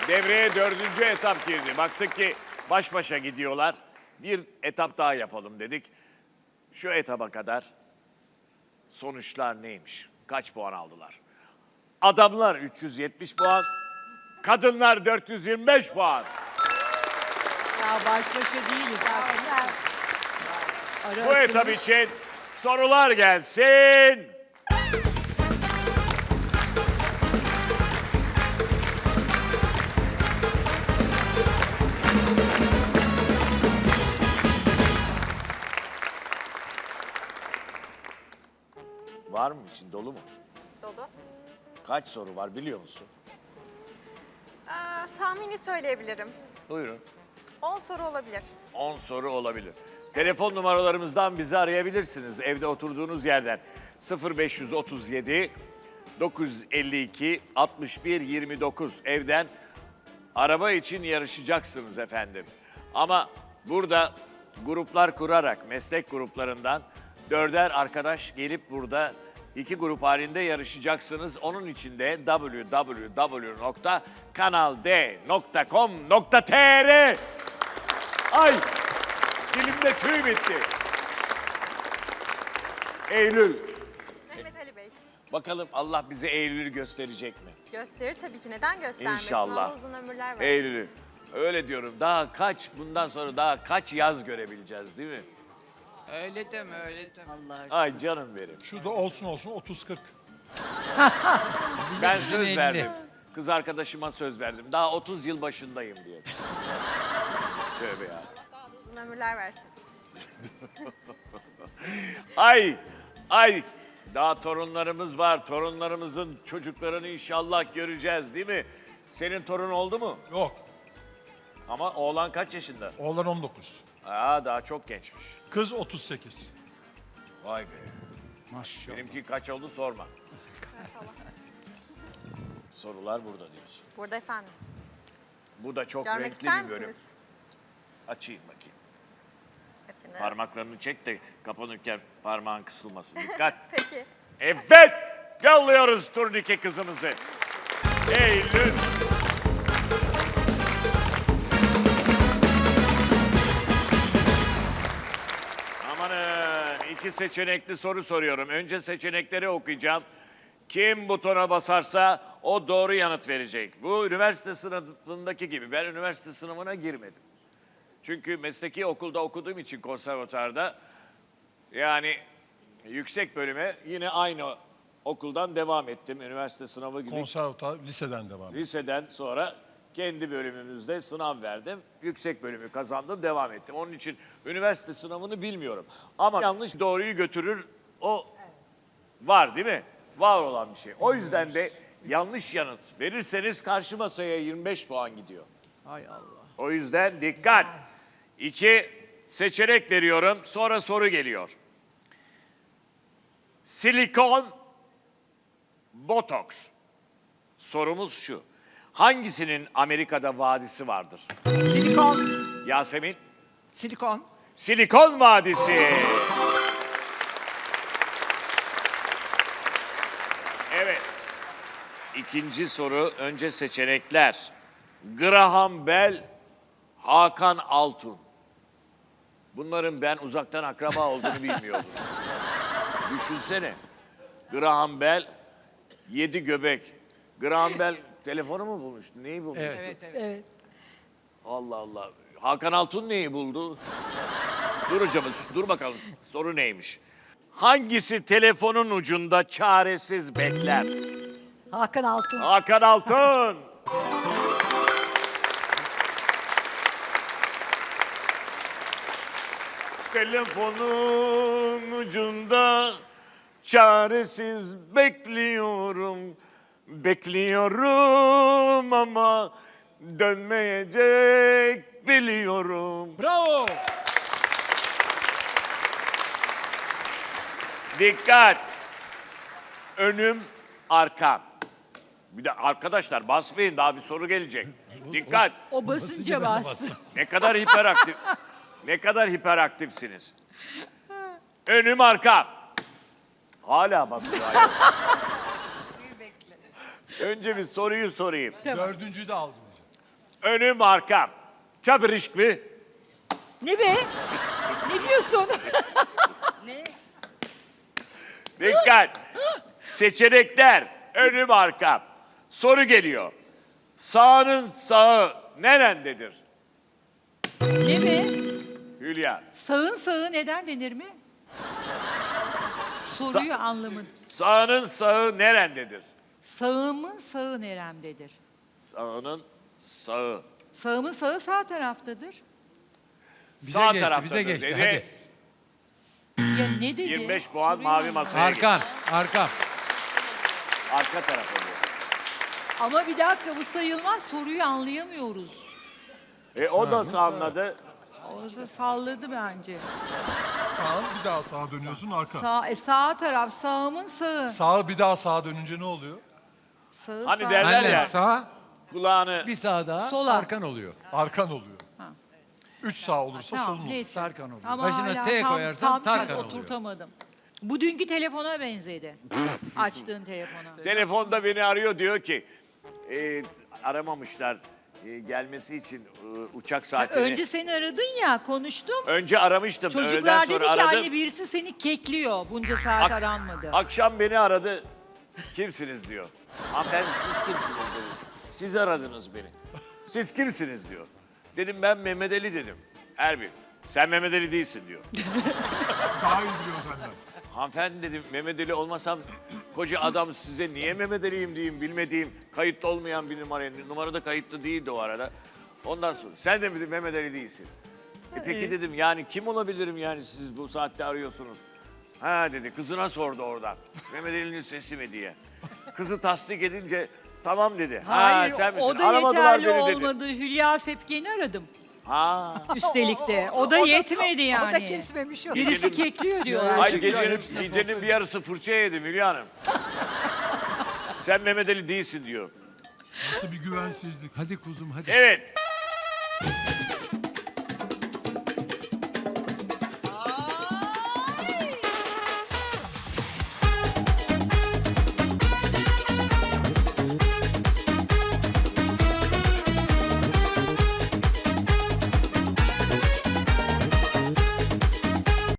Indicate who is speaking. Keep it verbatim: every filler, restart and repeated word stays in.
Speaker 1: Devreye dördüncü etap girdi. Baktık ki baş başa gidiyorlar. Bir etap daha yapalım dedik. Şu etaba kadar sonuçlar neymiş? Kaç puan aldılar? Adamlar üç yüz yetmiş puan, kadınlar dört yüz yirmi beş puan.
Speaker 2: Ya baş başa değiliz. Ara
Speaker 1: Bu etap için sorular gelsin. Var mı için dolu mu?
Speaker 3: Dolu.
Speaker 1: Kaç soru var biliyor musun?
Speaker 3: Aa, tahmini söyleyebilirim.
Speaker 1: Buyurun.
Speaker 3: on soru olabilir.
Speaker 1: on soru olabilir. Telefon numaralarımızdan bizi arayabilirsiniz. Evde oturduğunuz yerden sıfır beş otuz yedi dokuz yüz elli iki altmış bir yirmi dokuz evden araba için yarışacaksınız efendim. Ama burada gruplar kurarak meslek gruplarından dörder arkadaş gelip burada iki grup halinde yarışacaksınız. Onun için de w w w nokta kanal d nokta com nokta t r Ay! Dilimde tüy bitti. Eylül.
Speaker 3: Mehmet Ali Bey.
Speaker 1: Bakalım Allah bize Eylül'ü gösterecek mi?
Speaker 3: Gösterir tabii ki. Neden göstermesin?
Speaker 1: İnşallah.
Speaker 3: Allah uzun ömürler versin.
Speaker 1: Eylül'ü. Öyle diyorum. Daha kaç, bundan sonra daha kaç yaz görebileceğiz değil mi?
Speaker 4: Öyle deme, öyle deme.
Speaker 2: Allah aşkına.
Speaker 1: Ay canım benim.
Speaker 5: Şu da olsun olsun otuz kırk.
Speaker 1: Ben söz verdim. Kız arkadaşıma söz verdim. Daha otuz yıl başındayım diye. Tövbe ya.
Speaker 3: Allah uzun ömürler versin.
Speaker 1: Ay, ay. Daha torunlarımız var. Torunlarımızın çocuklarını inşallah göreceğiz değil mi? Senin torun oldu mu?
Speaker 5: Yok.
Speaker 1: Ama oğlan kaç yaşında?
Speaker 5: Oğlan on dokuz.
Speaker 1: Aa, daha çok gençmiş.
Speaker 5: Kız otuz sekiz.
Speaker 1: Vay be.
Speaker 5: Maşallah.
Speaker 1: Benimki kaç oldu sorma.
Speaker 3: Maşallah.
Speaker 1: Sorular burada diyorsun.
Speaker 3: Burada efendim.
Speaker 1: Bu da çok
Speaker 3: Görmek
Speaker 1: renkli
Speaker 3: ister
Speaker 1: bir bölüm.
Speaker 3: misiniz?
Speaker 1: Açayım bakayım.
Speaker 3: Açınız.
Speaker 1: Parmaklarını çek de kapanırken parmağın kısılmasın. Dikkat.
Speaker 3: Peki.
Speaker 1: Evet. Yolluyoruz turnike kızımızı. Eylül. Amanın iki seçenekli soru soruyorum. Önce seçenekleri okuyacağım. Kim butona basarsa o doğru yanıt verecek. Bu üniversite sınavındaki gibi. Ben üniversite sınavına girmedim. Çünkü mesleki okulda okuduğum için konservatuarda yani yüksek bölüme yine aynı okuldan devam ettim. Üniversite sınavı gibi.
Speaker 5: Konservatuar liseden devam.
Speaker 1: Liseden sonra kendi bölümümüzde sınav verdim. Yüksek bölümü kazandım, devam ettim. Onun için üniversite sınavını bilmiyorum. Ama yanlış doğruyu götürür, o var değil mi? Var olan bir şey. O yüzden de yanlış yanıt verirseniz karşı masaya yirmi beş puan gidiyor.
Speaker 4: Hay Allah.
Speaker 1: O yüzden dikkat. İki seçenek veriyorum, sonra soru geliyor. Silikon, botoks. Sorumuz şu. Hangisinin Amerika'da vadisi vardır?
Speaker 4: Silikon.
Speaker 1: Yasemin?
Speaker 4: Silikon.
Speaker 1: Silikon Vadisi. Evet. İkinci soru, önce seçenekler. Graham Bell, Hakan Altun. Bunların ben uzaktan akraba olduğunu bilmiyordum. Düşünsene. Graham Bell, yedi göbek. Graham Bell telefonu mu bulmuştu? Neyi bulmuştu?
Speaker 4: Evet, evet.
Speaker 2: Evet.
Speaker 1: Allah Allah. Hakan Altun neyi buldu? Dur hocam, dur bakalım. Soru neymiş? Hangisi telefonun ucunda çaresiz bekler?
Speaker 2: Hakan Altun.
Speaker 1: Hakan Altun. Telefonun ucunda çaresiz bekliyorum. Bekliyorum ama dönmeyecek biliyorum.
Speaker 4: Bravo.
Speaker 1: Dikkat. Önüm, arkam. Bir de arkadaşlar basmayın, daha bir soru gelecek. Dikkat.
Speaker 2: O basınca bastı.
Speaker 1: Ne kadar hiperaktif. Ne kadar hiperaktifsiniz. Önüm, arkam. Hala basıyor. Önce bir soruyu sorayım.
Speaker 5: Dördüncüyü de aldım.
Speaker 1: önüm arkam. Çapırışk mı?
Speaker 2: Ne be? Ne diyorsun?
Speaker 1: Dikkat. Seçenekler önüm arkam. Soru geliyor. Sağının sağı nerendedir?
Speaker 2: Ne be?
Speaker 1: Hülya.
Speaker 2: Sağın sağı neden denir mi? Soruyu anlamın.
Speaker 1: Sağının sağı nerendedir?
Speaker 2: Sağımın sağı neremdedir?
Speaker 1: Sağının sağı.
Speaker 2: Sağımın sağı sağ taraftadır.
Speaker 6: Bize
Speaker 1: Sağ
Speaker 6: geçti,
Speaker 1: taraftadır
Speaker 6: bize geçti.
Speaker 1: dedi.
Speaker 6: Hadi.
Speaker 2: Ya ne dedi?
Speaker 1: yirmi beş puan
Speaker 2: Soruyu
Speaker 1: mavi
Speaker 2: anlamadım.
Speaker 1: masaya gitti.
Speaker 6: Arkan, arkan.
Speaker 1: Arka taraf oluyor.
Speaker 2: Ama bir dakika bu sayılmaz. Soruyu anlayamıyoruz.
Speaker 1: E o
Speaker 6: Sağ
Speaker 1: nasıl
Speaker 6: mı, sağ?
Speaker 1: anladı?
Speaker 2: O da salladı bence.
Speaker 5: Sağ bir daha sağa dönüyorsun arka.
Speaker 2: Sağ, e, sağ taraf sağımın sağı.
Speaker 5: Sağ bir daha sağa dönünce ne oluyor?
Speaker 2: Sağı
Speaker 1: Hani
Speaker 2: sağ.
Speaker 1: derler
Speaker 6: Aynen
Speaker 1: ya.
Speaker 6: sağ,
Speaker 1: Kulağını
Speaker 6: bir sağ daha,
Speaker 2: Sola.
Speaker 6: arkan oluyor.
Speaker 5: Arkan oluyor.
Speaker 2: Ha.
Speaker 5: Üç sağ olursa
Speaker 2: Tamam
Speaker 5: solun olur.
Speaker 2: neyse.
Speaker 4: Tarkan oluyor.
Speaker 2: Ama
Speaker 6: Başına
Speaker 2: hala
Speaker 6: T
Speaker 2: tam,
Speaker 6: koyarsan
Speaker 2: tam
Speaker 6: Tarkan
Speaker 2: tam
Speaker 6: oluyor.
Speaker 2: oturtamadım. Bu dünkü telefona benzedi. Açtığın telefona.
Speaker 1: telefonda beni arıyor diyor ki e, aramamışlar e, gelmesi için e, uçak saatini.
Speaker 2: Önce seni aradın ya konuştum.
Speaker 1: Önce aramıştım. öğleden
Speaker 2: Çocuklar
Speaker 1: sonra
Speaker 2: dedi ki
Speaker 1: aradım.
Speaker 2: anne birisi seni kekliyor. Bunca saat
Speaker 1: Ak-
Speaker 2: aranmadı.
Speaker 1: Akşam beni aradı. Kimsiniz diyor. Hanımefendi siz kimsiniz dedim. Siz aradınız beni. Siz kimsiniz diyor. Dedim ben Mehmet Ali dedim. Erbil sen Mehmet Ali değilsin diyor.
Speaker 5: Daha iyi biliyor senden.
Speaker 1: Hanımefendi dedim Mehmet Ali olmasam koca adam size niye Mehmet Ali'yim diyeyim bilmediğim kayıtlı olmayan bir numara. Numarada kayıtlı değildi o arada. Ondan sonra sen de mi dedim, Mehmet Ali değilsin. E peki dedim yani kim olabilirim yani siz bu saatte arıyorsunuz. Ha dedi kızına sordu oradan. Mehmet Ali'nin sesi mi diye. Kızı tasdik edince tamam dedi.
Speaker 2: Hayır
Speaker 1: ha, sen misin?
Speaker 2: o da
Speaker 1: Aramadılar
Speaker 2: yeterli
Speaker 1: beni dedi.
Speaker 2: olmadı. Hülya Sepken'i aradım.
Speaker 1: Ha.
Speaker 2: Üstelik de. O da yetmedi yani.
Speaker 7: O da kesmemiş onu.
Speaker 2: Birisi kekliyor diyorlar.
Speaker 1: Hayır
Speaker 2: çünkü.
Speaker 1: gecenin, gecenin bir yarısı fırça yedim Hülya Hanım. Sen Mehmet Ali değilsin diyor.
Speaker 5: Nasıl bir güvensizlik.
Speaker 6: Hadi kuzum hadi.
Speaker 1: Evet.